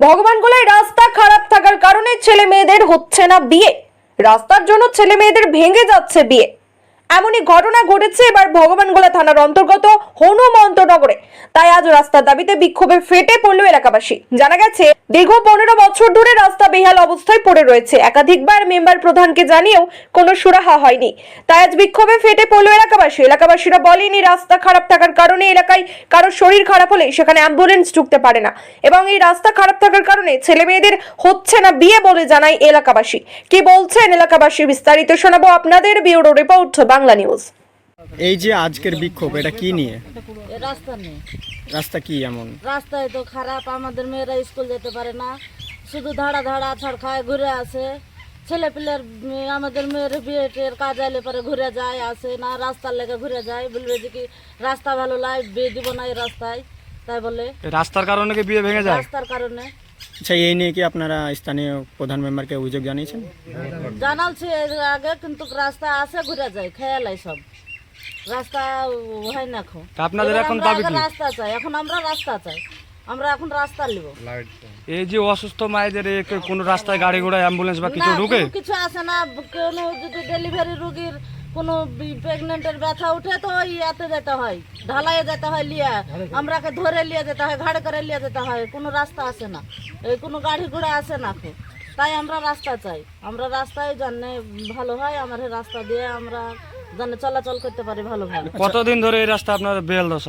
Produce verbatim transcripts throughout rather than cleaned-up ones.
ভগবানগোলায় রাস্তা খারাপ থাকার কারণে ছেলে মেয়েদের হচ্ছে না বিয়ে। রাস্তার জন্য ছেলে মেয়েদের ভেঙে যাচ্ছে বিয়ে। এমনই ঘটনা ঘটেছে এবার ভগবানগোলা থানার অন্তর্গত হনুমন্তনগরে। তাই আজ রাস্তার দাবিতে বিক্ষোভে ফেটে পড়ল এলাকাবাসী। জানা গেছে দীর্ঘ পনেরো বছর ধরে রাস্তা বেহাল অবস্থায় পড়ে রয়েছে। একাধিকবার মেম্বার প্রধানকে জানিয়েও কোনো সুরাহা হয়নি। তাই আজ বিক্ষোভে ফেটে পড়ল এলাকাবাসী। এলাকাবাসীরা বলেন এই রাস্তা খারাপ থাকার কারণে এলাকায় কারো শরীর খারাপ হলে সেখানে অ্যাম্বুলেন্স ঢুকতে পারে না এবং এই রাস্তা খারাপ থাকার কারণে ছেলে মেয়েদের হচ্ছে না বিয়ে বলে জানায় এলাকাবাসী। কি বলছেন এলাকাবাসী বিস্তারিত শোনাবো আপনাদের। Bureau report Bangla news. এই যে আজকের বিক্ষোভ, এটা কি নিয়ে? রাস্তা নেই। রাস্তা কি এমন? রাস্তায় তো খারাপ, আমাদের মেয়েরা স্কুল যেতে পারে না, শুধু ধাড়া ধাড়া ছাড় খায় ঘুরে আসে। ছেলে পিলের আমাদের মেয়ের বিয়েটের কাজ আইলে পরে ঘুরে যায়, আসে না, রাস্তার লেগে ঘুরে যায়। বলবে যে কি রাস্তা ভালো লাগে, বিয়ে দিব না এই রাস্তায়, তাই বলে। রাস্তার কারণে কি বিয়ে ভেঙে যায়? রাস্তার কারণে। আচ্ছা, এই নিয়ে কি আপনারা স্থানীয় প্রধান মেম্বারকে অভিযোগ জানিয়েছেন? জানালছি এর আগে, কিন্তু রাস্তা আসে ঘুরে যায়, খেয়ালাই সব রাস্তা হয় না। এখন আপনাদের এখন আমরা দাবি আগে কি? রাস্তা চাই, এখন আমরা রাস্তা চাই, আমরা এখন রাস্তা নিব। এই যে অসুস্থ মায়েদের এ কোন রাস্তায় গাড়ি ঘোড়া অ্যাম্বুলেন্স বা কিছু না, ঢুকে? কোনো কিছু আসে না। কোনো যদি ডেলিভারি রোগীর কোনো প্রেগনেন্টের ব্যথা উঠে তো ওই ইয়াতে যেতে হয়, ঢালাইয়ে যেতে হয়, লিয়া আমরাকে ধরে লিয়ে যেতে হয়, ঘাড়ে করে লিয়ে যেতে হয়। কোনো রাস্তা আসে না, এই কোনো গাড়ি ঘোড়া আসে না। এখন তাই আমরা রাস্তা চাই, আমরা রাস্তায় জানে ভালো হয়, আমার এই রাস্তা দিয়ে আমরা জানে চলাচল করতে পারি ভালো ভালো। কতদিন ধরে এই রাস্তা আপনার বেহাল দশা?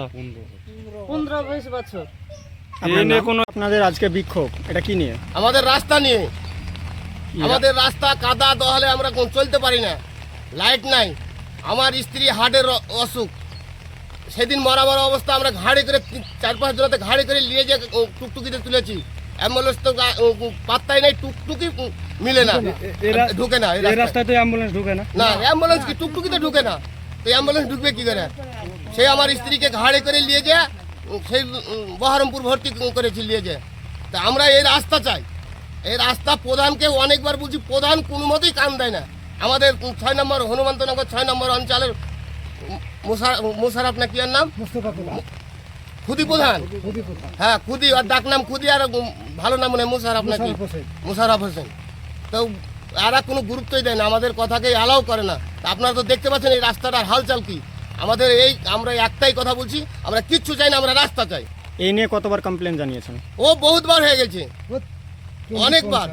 পনেরো বিশ বছর। এই নিয়ে কোনো আপনাদের আজকে বিক্ষোভ, এটা কি নিয়ে? আমাদের রাস্তা নিয়ে। আমাদের রাস্তা কাদা দহলে আমরা কোন চলতে পারি না, লাইট নাই। আমার স্ত্রী হার্টের অ- অসুখ, সেদিন মরা মরা অবস্থা আমরা ঘাড়ি করে তিন- চার পাঁচ জনাতে ঘাড়ি করে নিয়ে যে উ, টুকটুকিতে তুলেছি। অ্যাম্বুলেন্স তো গা- উ, উ, পাত্তাই নাই, টুকটুকি উ, মিলে না, ঢুকে না এই এই রাস্তায়। রাস্তায় তো অ্যাম্বুলেন্স ঢুকে না। না, অ্যাম্বুলেন্স কি টুকটুকিতে ঢুকে না, তো অ্যাম্বুলেন্স ঢুকবে কি করে? সে আমার স্ত্রীকে ঘাড়ে করে নিয়ে যায়, উম, সেই উম, বহরমপুর ভর্তি করেছি নিয়ে যায়। তা আমরা এই রাস্তা চাই, এই রাস্তা প্রধানকে অনেকবার বলছি, প্রধান কোনো মতেই কান দেয় না। আমাদের উম, ছয় নম্বর হনুমন্তনগর ছয় নম্বর অঞ্চলের উম, মুশা- মুশারফ না কি আর নাম, খুদি প্রধান। হ্যাঁ, খুদি, আর ডাক নাম খুদি, আর উম, ভালো নাম মনে হয় মুশারফ নাকি, মুশারফ হোসেন। তো এরা কোনো গুরুত্বই দেয় না, আমাদের কথাকে অ্যালাউ করে না। তা আপনারা তো দেখতে পাচ্ছেন এই রাস্তাটার হালচাল কি। আমাদের এই আমরা একটাই কথা বলছি, আমরা কিচ্ছু চাই না, আমরা রাস্তা চাই। এই নিয়ে কতবার কমপ্লেন জানিয়েছেন? ও বহুতবার হয়ে গেছে, অনেকবার,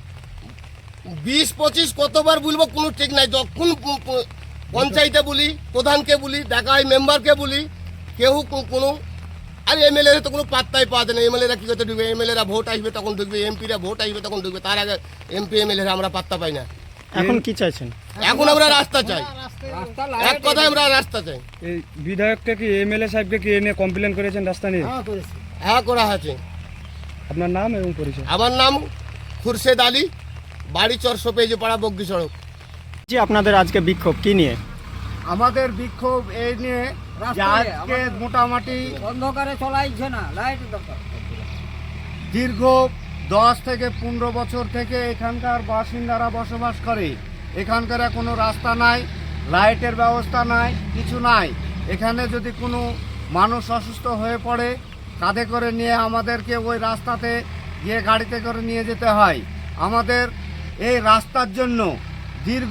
বিশ পঁচিশ কতবার বলবো কোনো ঠিক নাই। যখন প- প- পঞ্চায়েতে বলি, প্রধানকে বলি, দেখা হয় মেম্বারকে বলি, কেউ কো- কোনো, আর এমএলএ তো কোনো পাত্তাই পাওয়া যায় না। এমএলএরা কী করতে ঢুকবে? এমএলএরা ভোট আসবে তখন ঢুকবে, এমপিরা ভোট আসবে তখন ঢুকবে, তার আগে এমপি এমএলএরা আমরা পাত্তা পাই না। এখন কি চাইছেন? এখন আমরা রাস্তা চাই, এক কথায় আমরা রাস্তা চাই। এই বিধায়ককে কি এমএলএ সাহেবকে কি এ নিয়ে কমপ্লেন করেছেন রাস্তা নিয়ে? হ্যাঁ, করা হয়েছে। আপনার নাম এবং পরিচয়? আমার নাম খুরশেদ আলী, বাড়ি চর সোপেজি পাড়া, বগ্গি সড়ক। যে আপনাদের আজকে বিক্ষোভ কি নিয়ে? আমাদের বিক্ষোভ এই নিয়ে যে আজকে মোটামুটি অন্ধকারে চলাইছে না, লাইট দরকার। দীর্ঘ দশ থেকে পনেরো বছর থেকে এখানকার বাসিন্দারা বসবাস করে। এখানকার কোনো রাস্তা নাই, লাইটের ব্যবস্থা নাই, কিছু নাই। এখানে যদি কোনো মানুষ অসুস্থ হয়ে পড়ে, কাঁধে করে নিয়ে আমাদেরকে ওই রাস্তাতে গিয়ে গাড়িতে করে নিয়ে যেতে হয়। আমাদের এই রাস্তার জন্য দীর্ঘ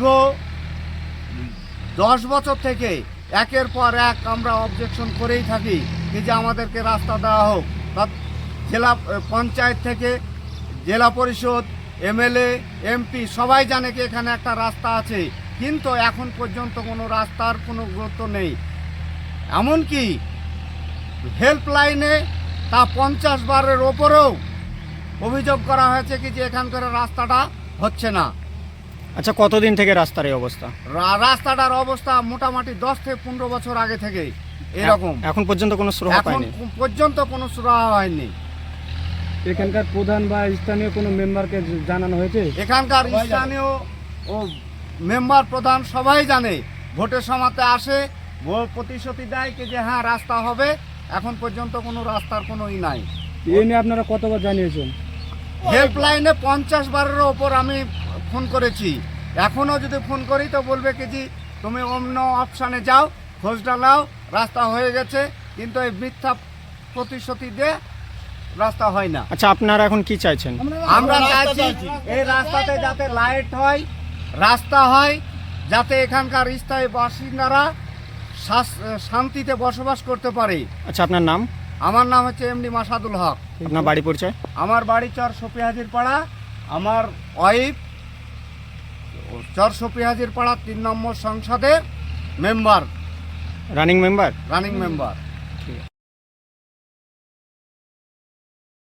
দশ বছর থেকে একের পর এক আমরা অবজেকশন করেই থাকি কি যে আমাদেরকে রাস্তা দেওয়া হোক। তা জেলা পঞ্চায়েত থেকে জেলা পরিষদ, এমএলএ, এমপি সবাই জানে কি এখানে একটা রাস্তা আছে, কিন্তু এখন পর্যন্ত কোনো রাস্তার কোনো গুরুত্ব নেই। এমনকি হেল্পলাইনে তা পঞ্চাশ বারের ওপরেও অভিযোগ করা হয়েছে কি যে এখানকার রাস্তাটা হচ্ছে না। আচ্ছা, কতদিন থেকে রাস্তার এই অবস্থা? রা- রাস্তাটার অবস্থা মোটামুটি দশ থেকে পনেরো বছর আগে থেকেই এরকম। এখন পর্যন্ত কোনো সুরাহা এখন পায়নি? পর্যন্ত কোনো সুরাহা হয়নি। এখানকার প্রধান বা স্থানীয় কোনো মেম্বারকে জানানো হয়েছে? এখানকার স্থানীয় ও মেম্বার প্রধান সবাই জানে, ভোটের সময়তে আসে, ভোট প্রতিশ্রুতি দেয় কি যে হ্যাঁ রাস্তা হবে। এখন পর্যন্ত কোনো রাস্তার কোনো ই নাই। এই নিয়ে আপনারা কতবার জানিয়েছেন? হেল্পলাইনে পঞ্চাশ বারের ওপর আমি ফোন করেছি। এখনও যদি ফোন করি তো বলবে কি যে তুমি অন্য অপশানে যাও, খোঁজটা নাও, রাস্তা হয়ে গেছে। কিন্তু এই মিথ্যা প্রতিশ্রুতি দিয়ে রাস্তা হয় না। আচ্ছা, আপনারা এখন কি চাইছেন? আমরা চাইছি এই রাস্তাতে যাতে লাইট হয়, রাস্তা হয়, যাতে এখানকার স্থায়ী বাসিন্দারা শাস- শান্তিতে বসবাস করতে পারে। আচ্ছা, আপনার নাম? আমার নাম হচ্ছে এমডি মাসাদুল হক। আপনার বাড়ি পরিচয়? আমার বাড়ি চর সপি হাজির পাড়া। আমার ওয়াইফ চর সপি হাজির পাড়া তিন নম্বর সংসদের member, running member? Running member.